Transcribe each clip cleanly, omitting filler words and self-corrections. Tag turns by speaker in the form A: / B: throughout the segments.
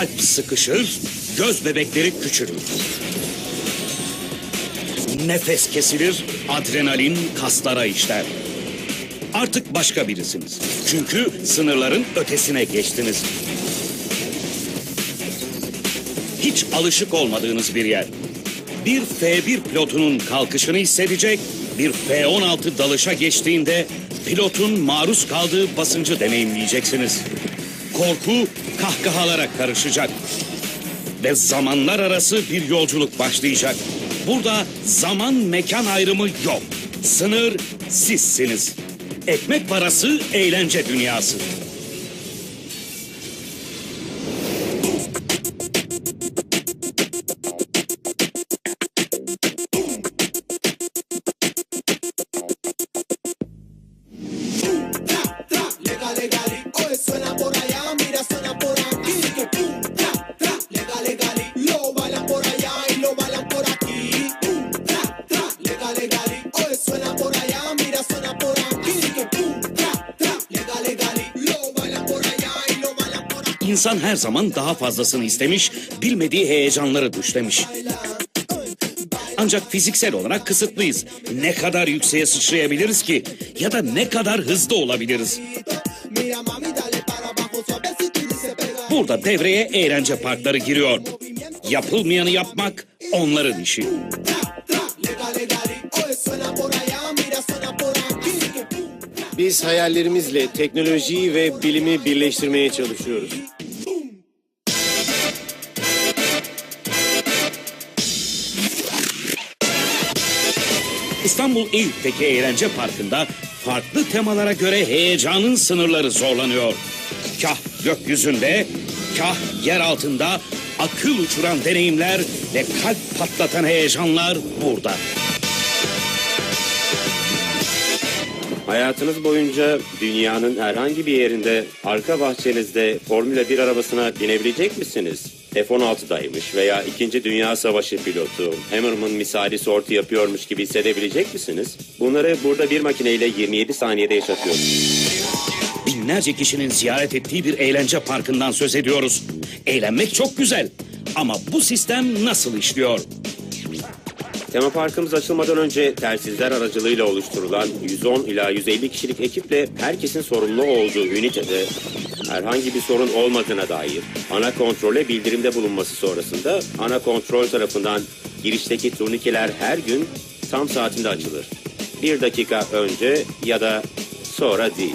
A: Kalp sıkışır, göz bebekleri küçülür. Nefes kesilir, adrenalin kaslara işler. Artık başka birisiniz. Çünkü sınırların ötesine geçtiniz. Hiç alışık olmadığınız bir yer. Bir F-1 pilotunun kalkışını hissedecek, bir F-16 dalışa geçtiğinde pilotun maruz kaldığı basıncı deneyimleyeceksiniz. Korku kahkahalara karışacak. Ve zamanlar arası bir yolculuk başlayacak. Burada zaman mekan ayrımı yok. Sınır sizsiniz. Ekmek parası eğlence dünyası. İnsan her zaman daha fazlasını istemiş, bilmediği heyecanları düşlemiş. Ancak fiziksel olarak kısıtlıyız. Ne kadar yükseğe sıçrayabiliriz ki? Ya da ne kadar hızlı olabiliriz? Burada devreye eğlence parkları giriyor. Yapılmayanı yapmak onların işi.
B: Biz hayallerimizle teknolojiyi ve bilimi birleştirmeye çalışıyoruz.
A: İstanbul Eyüp'teki eğlence parkında farklı temalara göre heyecanın sınırları zorlanıyor. Kah gökyüzünde, kah yer altında akıl uçuran deneyimler ve kalp patlatan heyecanlar burada.
C: Hayatınız boyunca dünyanın herhangi bir yerinde arka bahçenizde Formula 1 arabasına binebilecek misiniz? F-16'daymış veya 2. Dünya Savaşı pilotu Hammerman misali sortu yapıyormuş gibi hissedebilecek misiniz? Bunları burada bir makineyle 27 saniyede yaşatıyoruz.
A: Binlerce kişinin ziyaret ettiği bir eğlence parkından söz ediyoruz. Eğlenmek çok güzel ama bu sistem nasıl işliyor?
C: Tema parkımız açılmadan önce telsizler aracılığıyla oluşturulan 110 ila 150 kişilik ekiple herkesin sorumlu olduğu ünitede herhangi bir sorun olmadığına dair ana kontrole bildirimde bulunması sonrasında ana kontrol tarafından girişteki turnikeler her gün tam saatinde açılır. 1 dakika önce ya da sonra değil.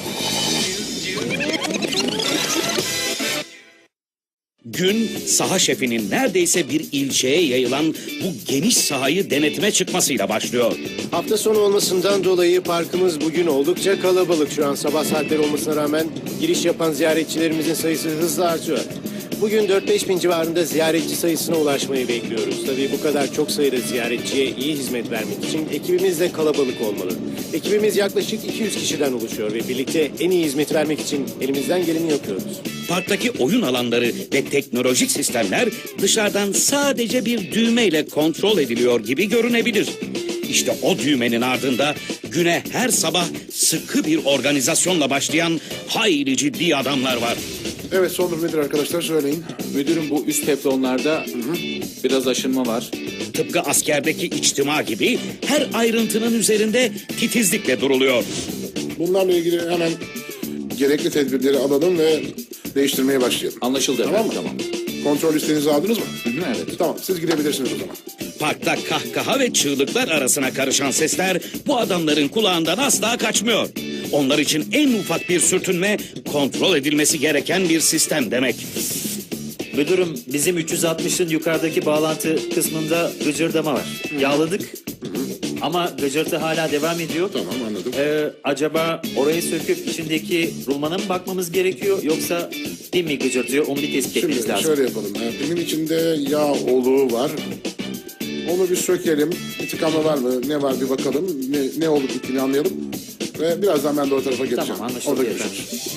A: Gün saha şefinin neredeyse bir ilçeye yayılan bu geniş sahayı denetime çıkmasıyla başlıyor.
B: Hafta sonu olmasından dolayı parkımız bugün oldukça kalabalık. Şu an sabah saatleri olmasına rağmen giriş yapan ziyaretçilerimizin sayısı hızla artıyor. Bugün 4-5 bin civarında ziyaretçi sayısına ulaşmayı bekliyoruz. Tabii bu kadar çok sayıda ziyaretçiye iyi hizmet vermek için ekibimiz de kalabalık olmalı. Ekibimiz yaklaşık 200 kişiden oluşuyor ve birlikte en iyi hizmet vermek için elimizden geleni yapıyoruz.
A: Parktaki oyun alanları ve teknolojik sistemler dışarıdan sadece bir düğmeyle kontrol ediliyor gibi görünebilir. İşte o düğmenin ardında güne her sabah sıkı bir organizasyonla başlayan hayli ciddi adamlar var.
D: Evet, son durum nedir arkadaşlar, söyleyin.
E: Müdürüm, bu üst teflonlarda biraz aşınma var.
A: Tıpkı askerdeki içtima gibi her ayrıntının üzerinde titizlikle duruluyor.
D: Bunlarla ilgili hemen gerekli tedbirleri alalım ve değiştirmeye başlayalım.
E: Anlaşıldı
D: Tamam
E: efendim,
D: mı?
E: tamam.
D: Kontrol listenizi aldınız mı?
E: Evet.
D: Tamam, siz gidebilirsiniz o zaman.
A: Parkta kahkaha ve çığlıklar arasına karışan sesler bu adamların kulağından asla kaçmıyor. Onlar için en ufak bir sürtünme kontrol edilmesi gereken bir sistem demek.
F: Müdürüm, bizim 360'ın yukarıdaki bağlantı kısmında gıcırdama var. Yağladık ama gıcırtı hala devam ediyor.
D: Tamam, anladım.
F: Acaba orayı söküp içindeki rulmana mı bakmamız gerekiyor, yoksa pin mi gıcırtıyor, onu bir tespit etmemiz
D: Şimdi
F: lazım.
D: şöyle yapalım. Pimin içinde yağ oluğu var. Onu bir sökelim. Bir tıkanma var mı? Ne var bir bakalım. Ne olup bittiğini anlayalım. Ve birazdan ben de o tarafa geleceğim.
F: Tamam, anlaşıldı
D: Orada
F: efendim.
D: görüşürüz.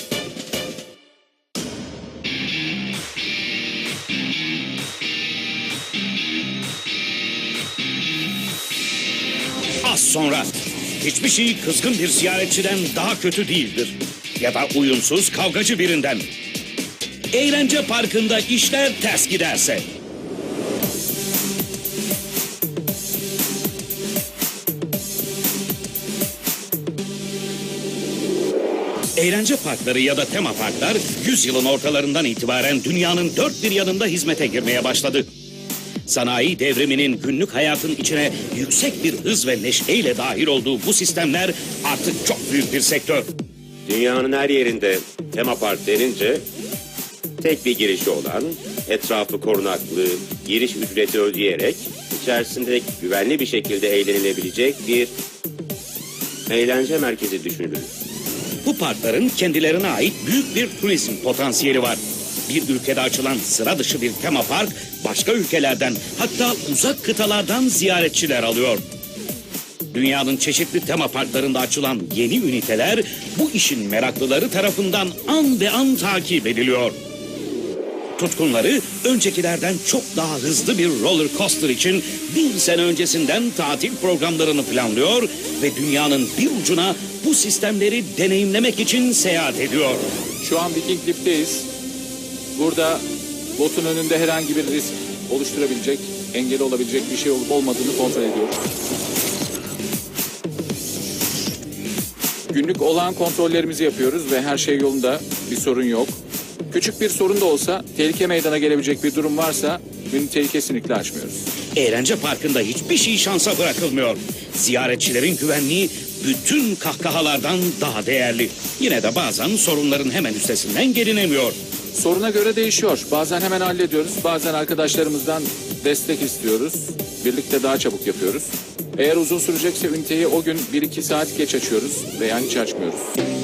A: Az sonra hiçbir şey kızgın bir ziyaretçiden daha kötü değildir. Ya da uyumsuz kavgacı birinden. Eğlence parkında işler ters giderse. Eğlence parkları ya da tema parklar 100 yılın ortalarından itibaren dünyanın dört bir yanında hizmete girmeye başladı. Sanayi devriminin günlük hayatın içine yüksek bir hız ve neşeyle dahil olduğu bu sistemler artık çok büyük bir sektör.
C: Dünyanın her yerinde tema park denince tek bir girişi olan, etrafı korunaklı, giriş ücreti ödeyerek içerisinde güvenli bir şekilde eğlenilebilecek bir eğlence merkezi düşünülür.
A: Bu parkların kendilerine ait büyük bir turizm potansiyeli var. Bir ülkede açılan sıra dışı bir tema park başka ülkelerden hatta uzak kıtalardan ziyaretçiler alıyor. Dünyanın çeşitli tema parklarında açılan yeni üniteler bu işin meraklıları tarafından an be an takip ediliyor. Tutkunları öncekilerden çok daha hızlı bir roller coaster için bir sene öncesinden tatil programlarını planlıyor ve dünyanın bir ucuna bu sistemleri deneyimlemek için seyahat ediyor.
E: Şu an Viking Lip'teyiz. Burada botun önünde herhangi bir risk oluşturabilecek, engel olabilecek bir şey olup olmadığını kontrol ediyoruz. Günlük olağan kontrollerimizi yapıyoruz ve her şey yolunda, bir sorun yok. Küçük bir sorun da olsa, tehlike meydana gelebilecek bir durum varsa üniteyi kesinlikle açmıyoruz.
A: Eğlence parkında hiçbir şey şansa bırakılmıyor. Ziyaretçilerin güvenliği bütün kahkahalardan daha değerli. Yine de bazen sorunların hemen üstesinden gelinemiyor.
E: Soruna göre değişiyor. Bazen hemen hallediyoruz, bazen arkadaşlarımızdan destek istiyoruz. Birlikte daha çabuk yapıyoruz. Eğer uzun sürecekse üniteyi o gün 1-2 saat geç açıyoruz veya hiç açmıyoruz.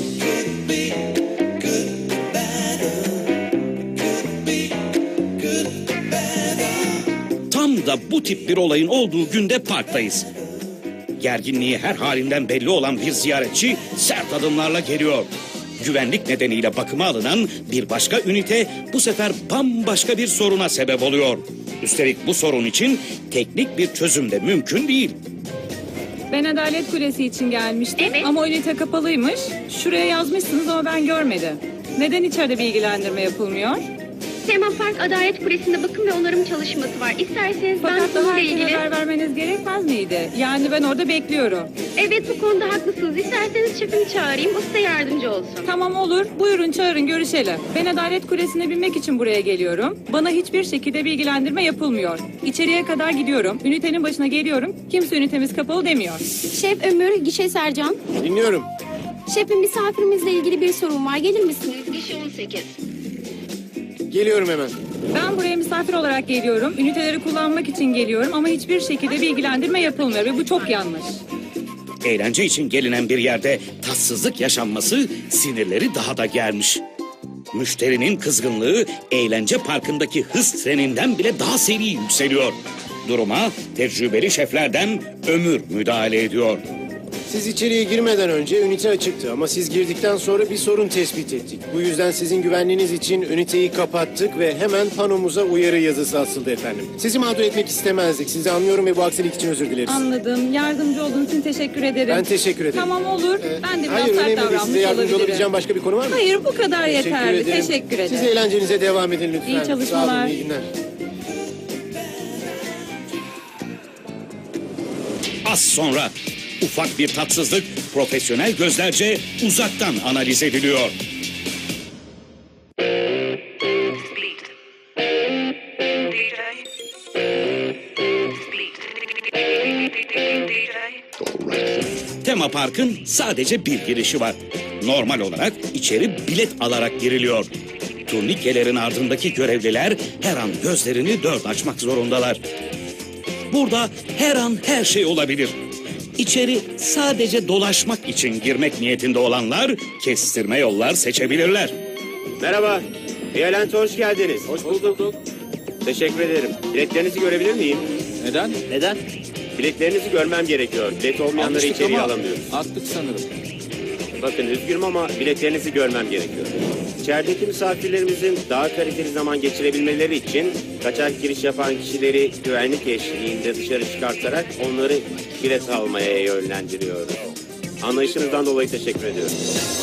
A: Tam da bu tip bir olayın olduğu günde parktayız. Gerginliği her halinden belli olan bir ziyaretçi sert adımlarla geliyor. Güvenlik nedeniyle bakıma alınan bir başka ünite bu sefer bambaşka bir soruna sebep oluyor. Üstelik bu sorun için teknik bir çözüm de mümkün değil.
G: Ben Adalet Kulesi için gelmiştim ama o ünite kapalıymış. Şuraya yazmışsınız ama ben görmedim. Neden içeride bilgilendirme yapılmıyor?
H: Tema Park Adalet Kulesi'nde bakım ve onarım çalışması var. İsterseniz ben
G: Fakat daha
H: bununla
G: erken
H: ilgili...
G: haber vermeniz gerekmez miydi? Yani ben orada bekliyorum.
H: Evet, bu konuda haklısınız. İsterseniz şefimi çağırayım, o size yardımcı olsun.
G: Tamam olur. Buyurun çağırın görüşelim. Ben Adalet Kulesi'ne binmek için buraya geliyorum. Bana hiçbir şekilde bilgilendirme yapılmıyor. İçeriye kadar gidiyorum. Ünitenin başına geliyorum. Kimse ünitemiz kapalı demiyor.
I: Şef Ömür, Gişe Sercan.
B: Dinliyorum.
I: Şefim, misafirimizle ilgili bir sorun var. Gelir misiniz?
H: Gişe 18.
B: Geliyorum hemen.
G: Ben buraya misafir olarak geliyorum. Üniteleri kullanmak için geliyorum ama hiçbir şekilde bilgilendirme yapılmıyor ve bu çok yanlış.
A: Eğlence için gelinen bir yerde tatsızlık yaşanması sinirleri daha da germiş. Müşterinin kızgınlığı eğlence parkındaki hız treninden bile daha seri yükseliyor. Duruma tecrübeli şeflerden Ömür müdahale ediyor.
B: Siz içeriye girmeden önce ünite açıktı ama siz girdikten sonra bir sorun tespit ettik. Bu yüzden sizin güvenliğiniz için üniteyi kapattık ve hemen panomuza uyarı yazısı asıldı efendim. Sizi mağdur etmek istemezdik. Sizi anlıyorum ve bu aksilik için özür dileriz.
G: Anladım. Yardımcı olduğun için teşekkür ederim.
B: Ben teşekkür ederim.
G: Tamam olur. Ben de biraz
B: Hayır,
G: sert
B: önemli değil.
G: davranmış
B: Size yardımcı
G: olabilirim.
B: olabileceğim başka bir konu var mı?
G: Hayır, bu kadar yeterli.
B: ederim.
G: Teşekkür ederim.
B: Siz eğlencenize devam edin lütfen.
G: İyi çalışmalar.
B: Sağ olun, iyi günler.
A: Az sonra ufak bir tatsızlık profesyonel gözlerce uzaktan analiz ediliyor. Tema Park'ın sadece bir girişi var. Normal olarak içeri bilet alarak giriliyor. Turnikelerin ardındaki görevliler her an gözlerini dört açmak zorundalar. Burada her an her şey olabilir. İçeri sadece dolaşmak için girmek niyetinde olanlar kestirme yollar seçebilirler.
C: Merhaba, Eğlence hoş geldiniz.
E: Hoş bulduk.
C: Teşekkür ederim. Biletlerinizi görebilir miyim?
E: Neden?
F: Neden?
C: Biletlerinizi görmem gerekiyor. Bilet olmayanları
E: Almıştık
C: içeriye
E: ama
C: alamıyoruz.
E: attık sanırım.
C: Bakın üzgünüm ama biletlerinizi görmem gerekiyor. İçerideki misafirlerimizin daha kaliteli zaman geçirebilmeleri için kaçak giriş yapan kişileri güvenlik eşliğinde dışarı çıkartarak onları bilet almaya yönlendiriyoruz. Anlayışınızdan dolayı teşekkür ediyorum.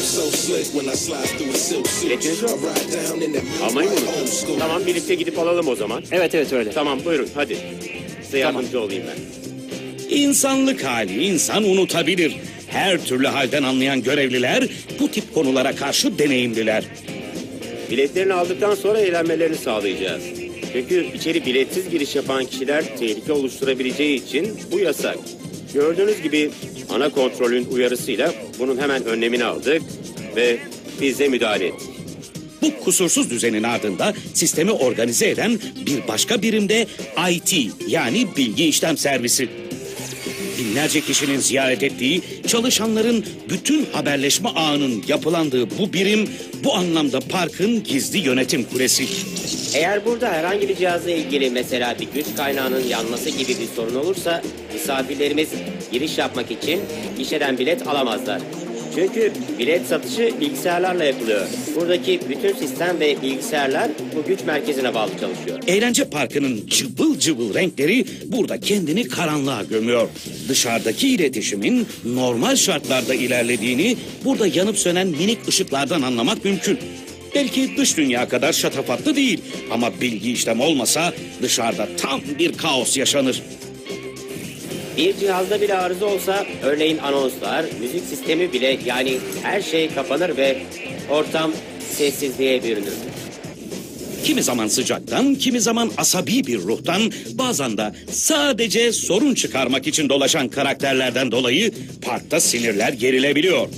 C: Biletiniz yok mu? Almayı mı unuttunuz? Tamam, birlikte gidip alalım o zaman.
F: Evet öyle.
C: Tamam, buyurun hadi. Size yardımcı olayım ben.
A: İnsanlık hali insan unutabilir. Her türlü halden anlayan görevliler bu tip konulara karşı deneyimliler.
C: Biletlerini aldıktan sonra eğlenmelerini sağlayacağız. Çünkü içeri biletsiz giriş yapan kişiler tehlike oluşturabileceği için bu yasak. Gördüğünüz gibi ana kontrolün uyarısıyla bunun hemen önlemini aldık ve biz de müdahale ettik.
A: Bu kusursuz düzenin ardında sistemi organize eden bir başka birimde IT yani bilgi işlem servisi. Binlerce kişinin ziyaret ettiği, çalışanların bütün haberleşme ağının yapılandığı bu birim bu anlamda parkın gizli yönetim kulesi.
J: Eğer burada herhangi bir cihazla ilgili mesela bir güç kaynağının yanması gibi bir sorun olursa misafirlerimiz giriş yapmak için gişeden bilet alamazlar. Çünkü bilet satışı bilgisayarlarla yapılıyor. Buradaki bütün sistem ve bilgisayarlar bu güç merkezine bağlı çalışıyor.
A: Eğlence parkının cıvıl cıvıl renkleri burada kendini karanlığa gömüyor. Dışarıdaki iletişimin normal şartlarda ilerlediğini burada yanıp sönen minik ışıklardan anlamak mümkün. Belki dış dünya kadar şatafatlı değil ama bilgi işlem olmasa dışarıda tam bir kaos yaşanır.
J: Bir cihazda bile arıza olsa örneğin anonslar, müzik sistemi bile yani her şey kapanır ve ortam sessizliğe bürünür.
A: Kimi zaman sıcaktan, kimi zaman asabi bir ruhtan, bazen de sadece sorun çıkarmak için dolaşan karakterlerden dolayı parkta sinirler gerilebiliyor.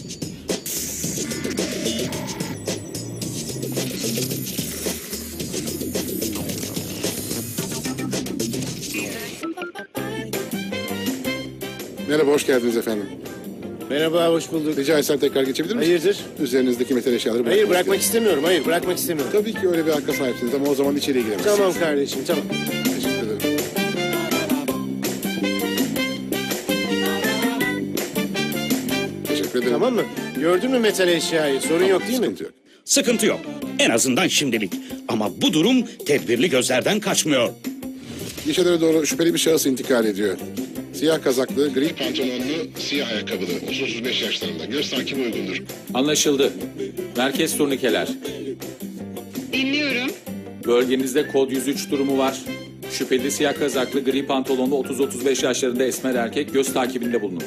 D: Merhaba, hoş geldiniz efendim.
B: Merhaba, hoş bulduk.
D: Rica etsem tekrar geçebilir misiniz?
B: Hayırdır?
D: Üzerinizdeki metal eşyaları bırakmak
B: Hayır, bırakmak
D: istiyorum.
B: istemiyorum. Hayır, bırakmak istemiyorum.
D: Tabii ki öyle bir hakka sahipsiniz ama o zaman içeriye giremezsiniz.
B: Tamam kardeşim, tamam.
D: Teşekkür ederim. Teşekkür ederim.
B: Tamam mı? Gördün mü metal eşyayı? Sorun yok değil mi?
D: Sıkıntı yok.
A: Sıkıntı yok. En azından şimdilik. Ama bu durum tedbirli gözlerden kaçmıyor.
D: Gişelere doğru şüpheli bir şahıs intikal ediyor. Siyah kazaklı, gri pantolonlu, siyah ayakkabılı, 30-35 yaşlarında. Göz takimi uygundur.
E: Anlaşıldı. Merkez turnikeler.
H: Dinliyorum.
E: Bölgenizde kod 103 durumu var. Şüpheli siyah kazaklı, gri pantolonlu 30-35 yaşlarında esmer erkek göz takibinde bulunun.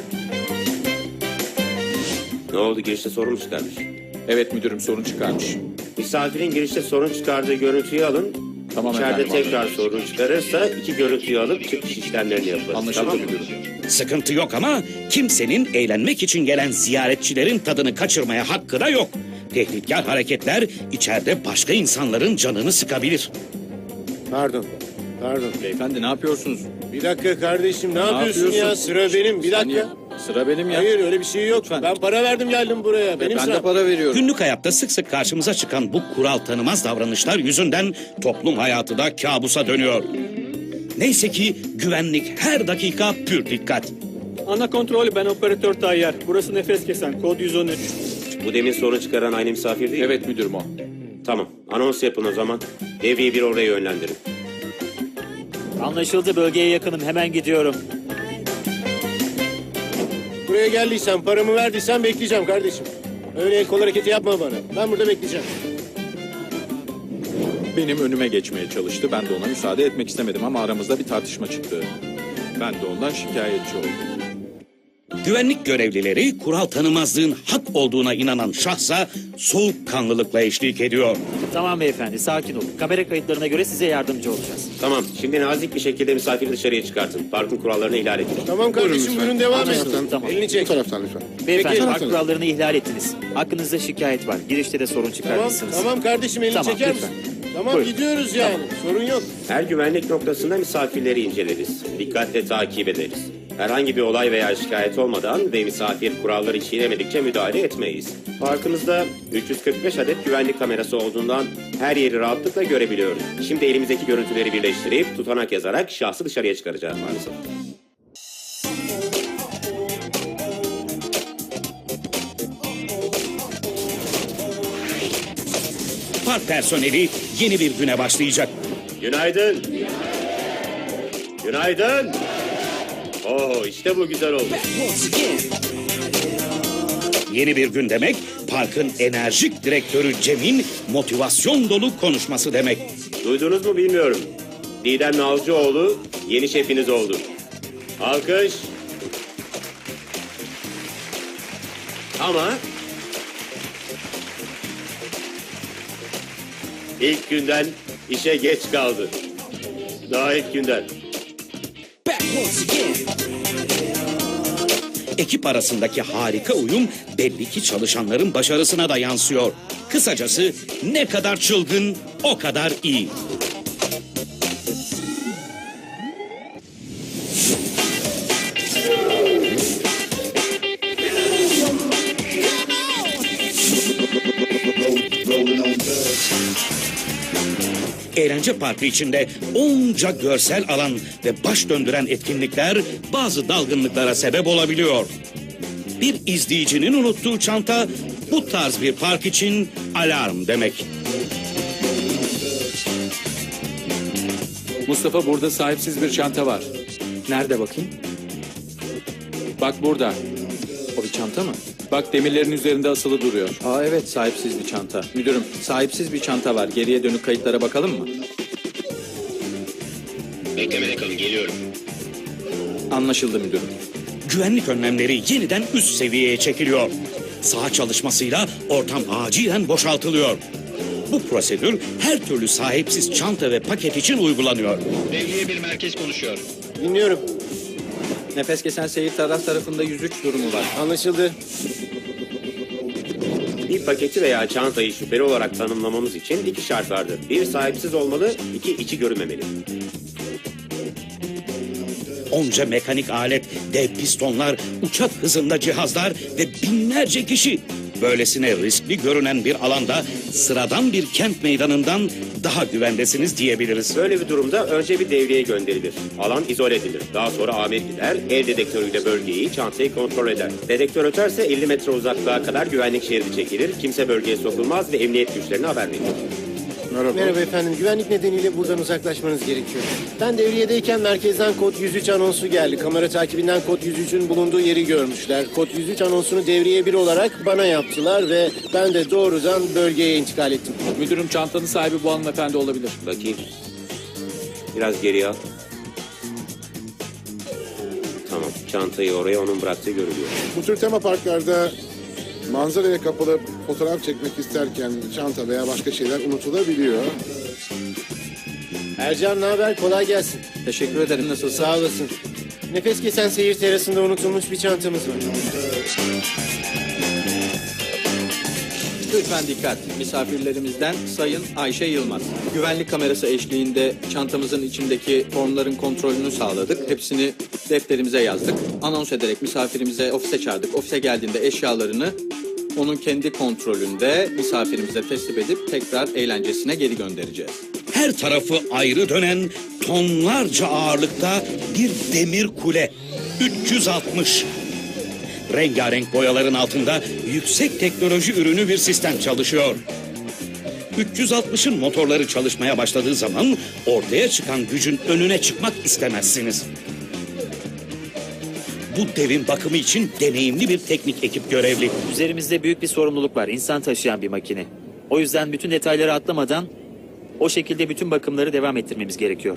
C: Ne oldu, girişte sorun mu çıkarmış?
E: Evet müdürüm, sorun çıkarmış.
C: Misafirin girişte sorun çıkardığı görüntüyü alın.
E: Tamam
C: İçeride
E: efendim.
C: tekrar sorun çıkarırsa iki görüntüyü alıp çıkış işlemlerini yaparız.
E: Anlaşıldı
C: Tamam mı?
E: müdürüm.
A: Sıkıntı yok ama kimsenin eğlenmek için gelen ziyaretçilerin tadını kaçırmaya hakkı da yok. Tehditkar hareketler içeride başka insanların canını sıkabilir.
B: Pardon.
E: Beyefendi ne yapıyorsunuz?
B: Bir dakika kardeşim, ne yapıyorsun ya? Sıra benim. Bir dakika.
E: Sıra benim ya.
B: Hayır, öyle bir şey yok.
E: Lütfen.
B: Ben para verdim geldim buraya. Benim
E: Ben de
B: sıram.
E: para veriyorum.
A: Günlük hayatta sık sık karşımıza çıkan bu kural tanımaz davranışlar yüzünden toplum hayatı da kabusa dönüyor. Neyse ki güvenlik her dakika pür dikkat.
K: Ana kontrol, ben operatör Tayyar. Burası nefes kesen, kod 113.
C: Bu demin sorun çıkaran aynı misafir değil mi?
E: Evet müdürüm o.
C: Tamam, anons yapın o zaman. Devriye bir oraya yönlendirin.
F: Anlaşıldı, bölgeye yakınım, hemen gidiyorum.
B: Buraya geldiysen, paramı verdiysen bekleyeceğim kardeşim. Öyle el kol hareketi yapma bana. Ben burada bekleyeceğim.
E: Benim önüme geçmeye çalıştı. Ben de ona müsaade etmek istemedim ama aramızda bir tartışma çıktı. Ben de ondan şikayetçi oldum.
A: Güvenlik görevlileri kural tanımazlığın hak olduğuna inanan şahsa soğukkanlılıkla eşlik ediyor.
F: Tamam beyefendi, sakin olun. Kamera kayıtlarına göre size yardımcı olacağız.
C: Tamam, şimdi nazik bir şekilde misafiri dışarıya çıkartın. Parkın kurallarını ihlal edin.
B: Tamam kardeşim,
D: lütfen.
B: buyurun devam
D: Bu
B: et.
D: taraftan.
F: Tamam.
B: Elini
D: Bu
B: çek.
D: taraftan lütfen.
F: Beyefendi,
B: Peki.
F: park kurallarını ihlal ettiniz. Hakkınızda şikayet var. Girişte de sorun
B: Tamam,
F: çıkarmışsınız.
B: tamam kardeşim, elini
F: Tamam,
B: çeker
F: lütfen.
B: misin? Tamam,
F: Buyurun.
B: gidiyoruz yani. Sorun yok.
C: Her güvenlik noktasında misafirleri inceleriz. Dikkatle takip ederiz. Herhangi bir olay veya şikayet olmadan ve misafir kuralları çiğnemedikçe müdahale etmeyiz. Parkımızda 345 adet güvenlik kamerası olduğundan her yeri rahatlıkla görebiliyoruz. Şimdi elimizdeki görüntüleri birleştirip tutanak yazarak şahsı dışarıya çıkaracağız maalesef.
A: Park personeli yeni bir güne başlayacak.
C: Günaydın. Günaydın. Oo, işte bu güzel oldu.
A: Yeni bir gün demek, parkın enerjik direktörü Cem'in motivasyon dolu konuşması demek.
C: Duydunuz mu bilmiyorum. Didem Nalcıoğlu yeni şefiniz oldu. Alkış. Ama ilk günden işe geç kaldı. Daha ilk günden.
A: Ekip arasındaki harika uyum belli ki çalışanların başarısına da yansıyor. Kısacası ne kadar çılgın o kadar iyi. Eğlence parkı içinde onca görsel alan ve baş döndüren etkinlikler bazı dalgınlıklara sebep olabiliyor. Bir izleyicinin unuttuğu çanta bu tarz bir park için alarm demek.
E: Mustafa, burada sahipsiz bir çanta var.
F: Nerede bakayım?
E: Bak burada.
F: O bir çanta mı?
E: Bak, demirlerin üzerinde asılı duruyor.
F: Aa evet, sahipsiz bir çanta. Müdürüm, sahipsiz bir çanta var. Geriye dönük kayıtlara bakalım mı?
J: Beklemede kalın, geliyorum.
F: Anlaşıldı müdürüm.
A: Güvenlik önlemleri yeniden üst seviyeye çekiliyor. Saha çalışmasıyla ortam acilen boşaltılıyor. Bu prosedür her türlü sahipsiz çanta ve paket için uygulanıyor.
L: Devriye bir merkez konuşuyor.
B: Dinliyorum.
F: Nefes kesen seyir tarafında 103 durumu var.
B: Anlaşıldı.
C: Bir paketi veya çantayı şüpheli olarak tanımlamamız için 2 şart vardır. 1 sahipsiz olmalı, 2 içi görünmemeli.
A: Onca mekanik alet, dev pistonlar, uçak hızında cihazlar ve binlerce kişi. Böylesine riskli görünen bir alanda sıradan bir kent meydanından daha güvendesiniz diyebiliriz.
C: Böyle bir durumda önce bir devriye gönderilir. Alan izole edilir. Daha sonra amir gider, el dedektörüyle bölgeyi, çantayı kontrol eder. Dedektör öterse 50 metre uzaklığa kadar güvenlik şeridi çekilir. Kimse bölgeye sokulmaz ve emniyet güçlerine haber verilir.
B: Merhaba efendim. Güvenlik nedeniyle buradan uzaklaşmanız gerekiyor. Ben devriyedeyken merkezden kod 103 anonsu geldi. Kamera takibinden kod 103'ün bulunduğu yeri görmüşler. Kod 103 anonsunu devriye 1 olarak bana yaptılar ve ben de doğrudan bölgeye intikal ettim.
E: Müdürüm, çantanın sahibi bu hanımefendi olabilir.
C: Bakayım. Biraz geriye al. Tamam. Çantayı oraya onun bıraktığı görülüyor.
D: Bu tür tema parklarda manzaraya kapalı fotoğraf çekmek isterken çanta veya başka şeyler unutulabiliyor.
B: Ercan ne haber? Kolay gelsin.
F: Teşekkür ederim, nasılsın?
B: Sağ olasın. Nefes kesen seyir terasında unutulmuş bir çantamız var.
F: Lütfen dikkat. Misafirlerimizden Sayın Ayşe Yılmaz. Güvenlik kamerası eşliğinde çantamızın içindeki formların kontrolünü sağladık. Hepsini defterimize yazdık. Anons ederek misafirimize ofise çağırdık. Ofise geldiğinde eşyalarını onun kendi kontrolünde misafirimize teslim edip tekrar eğlencesine geri göndereceğiz.
A: Her tarafı ayrı dönen tonlarca ağırlıkta bir demir kule. 360. Rengarenk boyaların altında yüksek teknoloji ürünü bir sistem çalışıyor. 360'ın motorları çalışmaya başladığı zaman ortaya çıkan gücün önüne çıkmak istemezsiniz. Bu devin bakımı için deneyimli bir teknik ekip görevli.
F: Üzerimizde büyük bir sorumluluk var. İnsan taşıyan bir makine. O yüzden bütün detayları atlamadan o şekilde bütün bakımları devam ettirmemiz gerekiyor.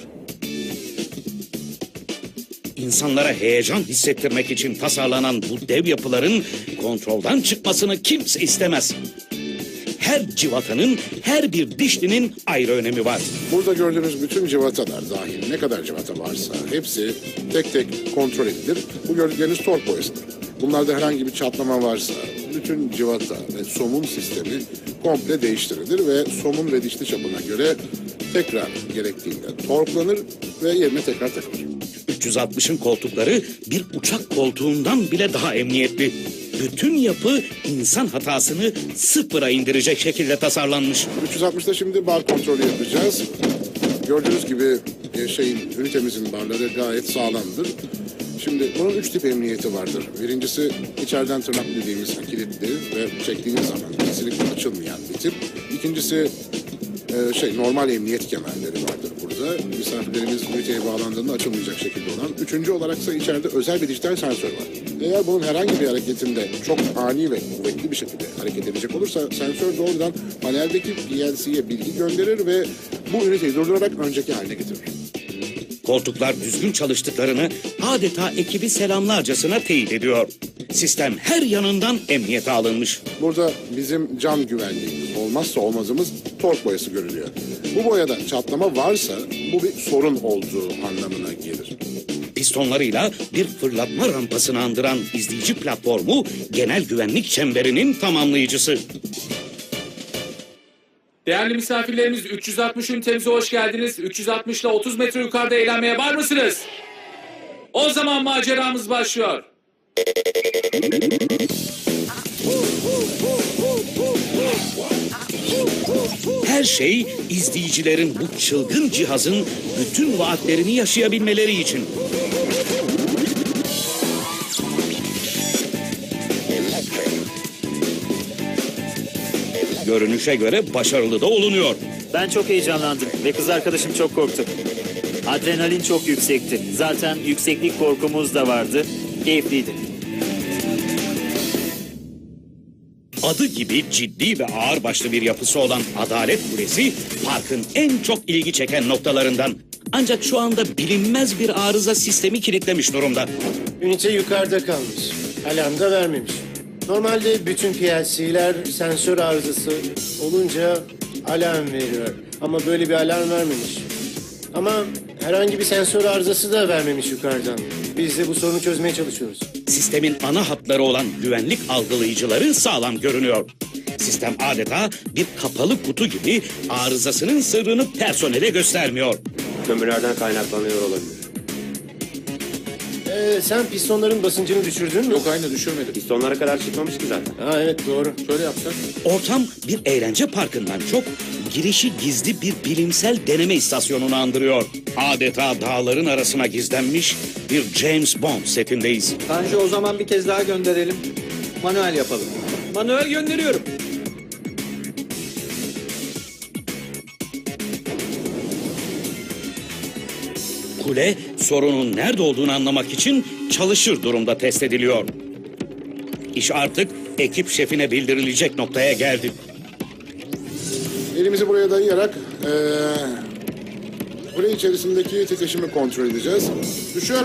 A: İnsanlara heyecan hissettirmek için tasarlanan bu dev yapıların kontrolden çıkmasını kimse istemez. Her civatanın, her bir dişlinin ayrı önemi var.
D: Burada gördüğünüz bütün civatalar dahil ne kadar civata varsa hepsi tek tek kontrol edilir. Bu gördükleriniz tork boyasıdır. Bunlarda herhangi bir çatlama varsa bütün civata ve somun sistemi komple değiştirilir ve somun ve dişli çapına göre tekrar gerektiğinde torklanır ve yerine tekrar takılır.
A: 360'ın koltukları bir uçak koltuğundan bile daha emniyetli. Bütün yapı insan hatasını sıfıra indirecek şekilde tasarlanmış.
D: 360'da şimdi bar kontrolü yapacağız. Gördüğünüz gibi ünitemizin barları gayet sağlamdır. Şimdi bunun 3 tip emniyeti vardır. Birincisi içeriden tırnak dediğimiz kilitli ve çektiğiniz zaman kesinlikle açılmayan bir tip. İkincisi normal emniyet kemerleri vardır burada. olduğumuzda misafirlerimiz üniteye bağlandığında açılmayacak şekilde olan. Üçüncü olaraksa içeride özel bir dijital sensör var. Eğer bunun herhangi bir hareketinde çok ani ve kuvvetli bir şekilde hareket edecek olursa sensör doğrudan paneldeki PLC'ye bilgi gönderir ve bu üniteyi durdurarak önceki haline getirir.
A: Koltuklar düzgün çalıştıklarını adeta ekibi selamlarcasına teyit ediyor. Sistem her yanından emniyete alınmış.
D: Burada bizim cam güvenliğimiz, olmazsa olmazımız tork boyası görülüyor. Bu boyada çatlama varsa bu bir sorun olduğu anlamına gelir.
A: Pistonlarıyla bir fırlatma rampasını andıran izleyici platformu genel güvenlik çemberinin tamamlayıcısı.
E: Değerli misafirlerimiz 360 ünitemize hoş geldiniz. 360 ile 30 metre yukarıda eğlenmeye var mısınız? O zaman maceramız başlıyor.
A: Her şey izleyicilerin bu çılgın cihazın bütün vaatlerini yaşayabilmeleri için. Görünüşe göre başarılı da olunuyor.
L: Ben çok heyecanlandım ve kız arkadaşım çok korktu. Adrenalin çok yüksekti. Zaten yükseklik korkumuz da vardı. Keyifliydi.
A: Adı gibi ciddi ve ağırbaşlı bir yapısı olan Adalet Kulesi, parkın en çok ilgi çeken noktalarından. Ancak şu anda bilinmez bir arıza sistemi kilitlemiş durumda.
B: Ünite yukarıda kalmış. Alarm da vermemiş. Normalde bütün PLC'ler sensör arızası olunca alarm veriyor. Ama böyle bir alarm vermemiş. Ama herhangi bir sensör arızası da vermemiş yukarıdan. Biz de bu sorunu çözmeye çalışıyoruz.
A: Sistemin ana hatları olan güvenlik algılayıcıları sağlam görünüyor. Sistem adeta bir kapalı kutu gibi arızasının sırrını personele göstermiyor.
C: Kömürlerden kaynaklanıyor olabilir.
B: Sen pistonların basıncını düşürdün mü?
E: Yok, aynı düşürmedim.
C: Pistonlara kadar çıkmamış ki zaten.
B: Ha evet doğru.
E: Şöyle yapsak.
A: Ortam bir eğlence parkından çok girişi gizli bir bilimsel deneme istasyonunu andırıyor. Adeta dağların arasına gizlenmiş bir James Bond setindeyiz.
F: Tanju, o zaman bir kez daha gönderelim. Manuel yapalım.
K: Manuel gönderiyorum.
A: Kule sorunun nerede olduğunu anlamak için çalışır durumda test ediliyor. İş artık ekip şefine bildirilecek noktaya geldi.
D: Elimizi buraya dayayarak kule içerisindeki titreşimi kontrol edeceğiz. Düşüyor.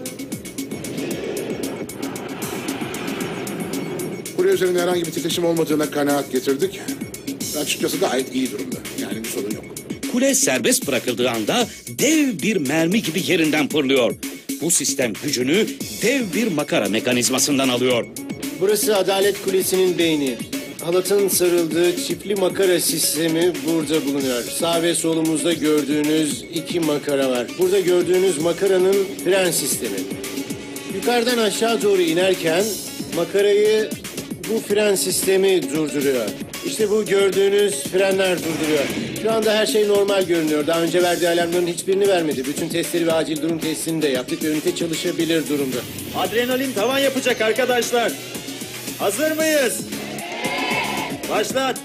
D: Kule üzerinde herhangi bir titreşim olmadığına kanaat getirdik. Açıkçası gayet iyi durumda. Yani bir sorun yok.
A: Kule serbest bırakıldığı anda dev bir mermi gibi yerinden fırlıyor. Bu sistem gücünü dev bir makara mekanizmasından alıyor.
B: Burası Adalet Kulesi'nin beyni. Halatın sarıldığı çiftli makara sistemi burada bulunuyor. Sağ ve solumuzda gördüğünüz iki makara var. Burada gördüğünüz makaranın fren sistemi. Yukarıdan aşağı doğru inerken makarayı bu fren sistemi durduruyor. İşte bu gördüğünüz frenler durduruyor. Şu anda her şey normal görünüyor. Daha önce verdiği alarmların hiçbirini vermedi. Bütün testleri ve acil durum testini de yaptık ve ünite çalışabilir durumda.
L: Adrenalin tavan yapacak arkadaşlar. Hazır mıyız? Başlat.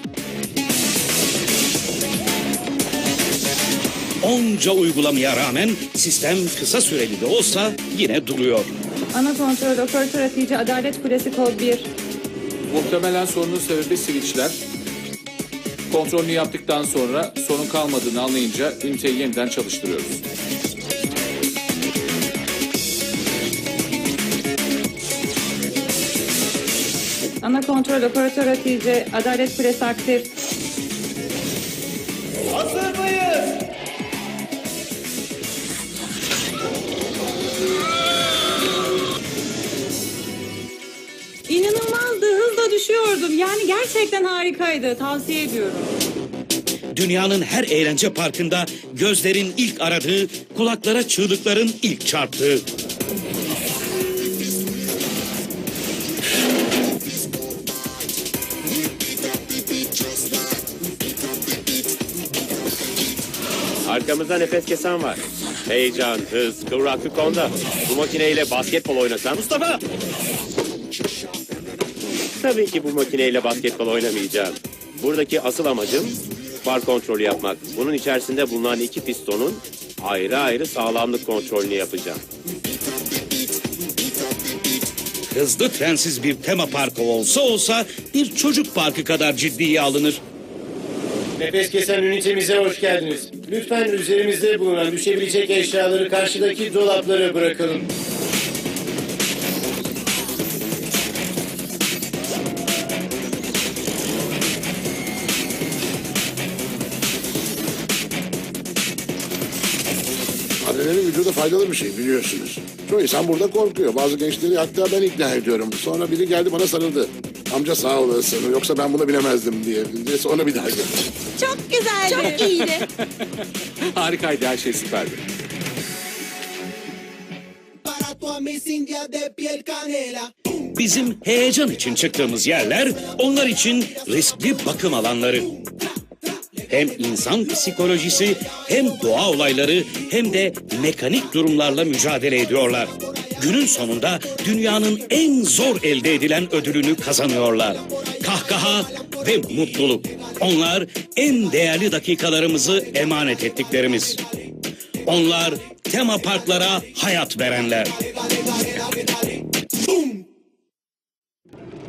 A: Onca uygulamaya rağmen sistem kısa süreli de olsa yine duruyor.
G: Ana kontrol operatör atıcı Adalet Kulesi kod 1.
E: Muhtemelen sorunun sebebi switchler. Kontrolünü yaptıktan sonra sorun kalmadığını anlayınca üniteyi yeniden çalıştırıyoruz.
G: Ana kontrol operatör atıcı Adalet Kulesi aktif.
L: Hazır mıyız?
G: İnanılmazdı, hızla düşüyordum. Yani gerçekten harikaydı. Tavsiye ediyorum.
A: Dünyanın her eğlence parkında gözlerin ilk aradığı, kulaklara çığlıkların ilk çarptığı.
C: Arkamızda nefes kesen var. Heyecan, hız, kıvraklık onda. Bu makineyle basketbol oynasam... Mustafa! Tabii ki bu makineyle basketbol oynamayacağım. Buradaki asıl amacım far kontrolü yapmak. Bunun içerisinde bulunan iki pistonun ayrı ayrı sağlamlık kontrolünü yapacağım.
A: Hızlı trensiz bir tema parkı olsa bir çocuk parkı kadar ciddiye alınır.
B: Nefes kesen ünitemize hoş geldiniz. Lütfen üzerimizde bulunan düşebilecek eşyaları karşıdaki dolaplara bırakalım.
D: Adrenalin vücuda faydalı bir şey biliyorsunuz. Çoğu insan burada korkuyor. Bazı gençleri hatta ben ikna ediyorum. Sonra biri geldi bana sarıldı. Amca sağ olasın yoksa ben bunu bilemezdim diye. Sonra bir daha geldi.
I: Çok güzeldi. Çok iyiydi.
E: Harikaydı, her şey süperdi.
A: Bizim heyecan için çıktığımız yerler onlar için riskli bakım alanları. Hem insan psikolojisi hem doğa olayları hem de mekanik durumlarla mücadele ediyorlar. Günün sonunda dünyanın en zor elde edilen ödülünü kazanıyorlar. Kahkaha ve mutluluk. Onlar en değerli dakikalarımızı emanet ettiklerimiz. Onlar tema parklara hayat verenler.